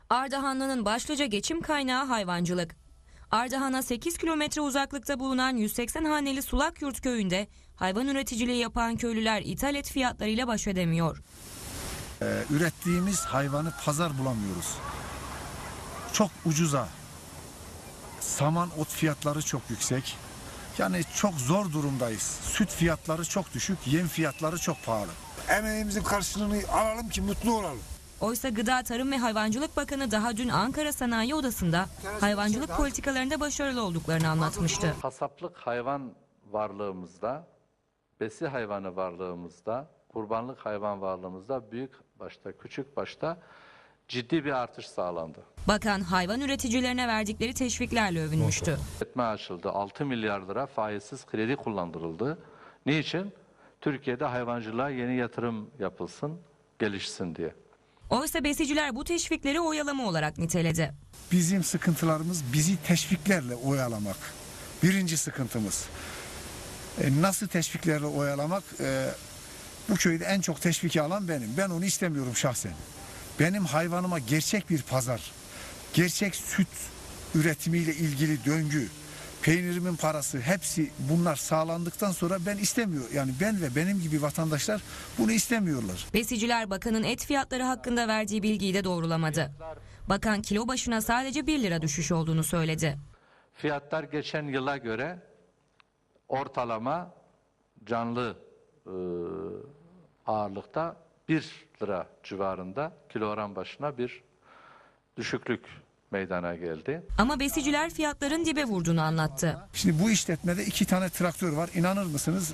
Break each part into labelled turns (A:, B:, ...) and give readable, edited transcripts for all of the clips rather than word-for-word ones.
A: Ardahanlı'nın başlıca geçim kaynağı hayvancılık. Ardahan'a 8 kilometre uzaklıkta bulunan 180 haneli Sulakyurt köyünde hayvan üreticiliği yapan köylüler ithal et fiyatlarıyla baş edemiyor.
B: Ürettiğimiz hayvanı pazar bulamıyoruz. Çok ucuza. Saman ot fiyatları çok yüksek. Yani çok zor durumdayız. Süt fiyatları çok düşük, yem fiyatları çok pahalı.
C: Emeğimizin karşılığını alalım ki mutlu olalım.
A: Oysa Gıda, Tarım ve Hayvancılık Bakanı daha dün Ankara Sanayi Odası'nda hayvancılık politikalarında başarılı olduklarını anlatmıştı.
D: Kasaplık hayvan varlığımızda, besi hayvanı varlığımızda, kurbanlık hayvan varlığımızda büyük başta, küçük başta ciddi bir artış sağlandı.
A: Bakan hayvan üreticilerine verdikleri teşviklerle övünmüştü.
D: İşletme açıldı, 6 milyar lira faizsiz kredi kullandırıldı. Niçin? Türkiye'de hayvancılığa yeni yatırım yapılsın, gelişsin diye.
A: Oysa besiciler bu teşvikleri oyalama olarak niteledi.
B: Bizim sıkıntılarımız bizi teşviklerle oyalamak. Birinci sıkıntımız. Nasıl teşviklerle oyalamak? Bu köyde en çok teşviki alan benim. Ben onu istemiyorum şahsen. Benim hayvanıma gerçek bir pazar, gerçek süt üretimiyle ilgili döngü, peynirimin parası, hepsi bunlar sağlandıktan sonra ben istemiyorum. Yani ben ve benim gibi vatandaşlar bunu istemiyorlar.
A: Besiciler bakanın et fiyatları hakkında verdiği bilgiyi de doğrulamadı. Bakan kilo başına sadece 1 lira düşüş olduğunu söyledi.
D: Fiyatlar geçen yıla göre ortalama canlı ağırlıkta 1 lira civarında kilogram başına bir düşüklük meydana geldi.
A: Ama besiciler fiyatların dibe vurduğunu anlattı.
B: Şimdi bu işletmede 2 tane traktör var. İnanır mısınız?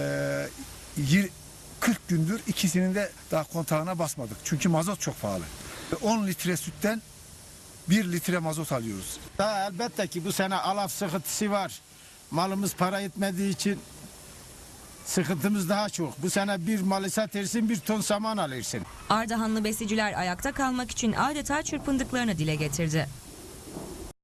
B: 40 gündür ikisinin de daha kontağına basmadık. Çünkü mazot çok pahalı. 10 litre sütten 1 litre mazot alıyoruz.
C: Daha elbette ki bu sene alaf sıkıntısı var. Malımız para etmediği için sıkıntımız daha çok. Bu sene bir malı satırsın, 1 ton saman alırsın.
A: Ardahanlı besiciler ayakta kalmak için adeta çırpındıklarını dile getirdi.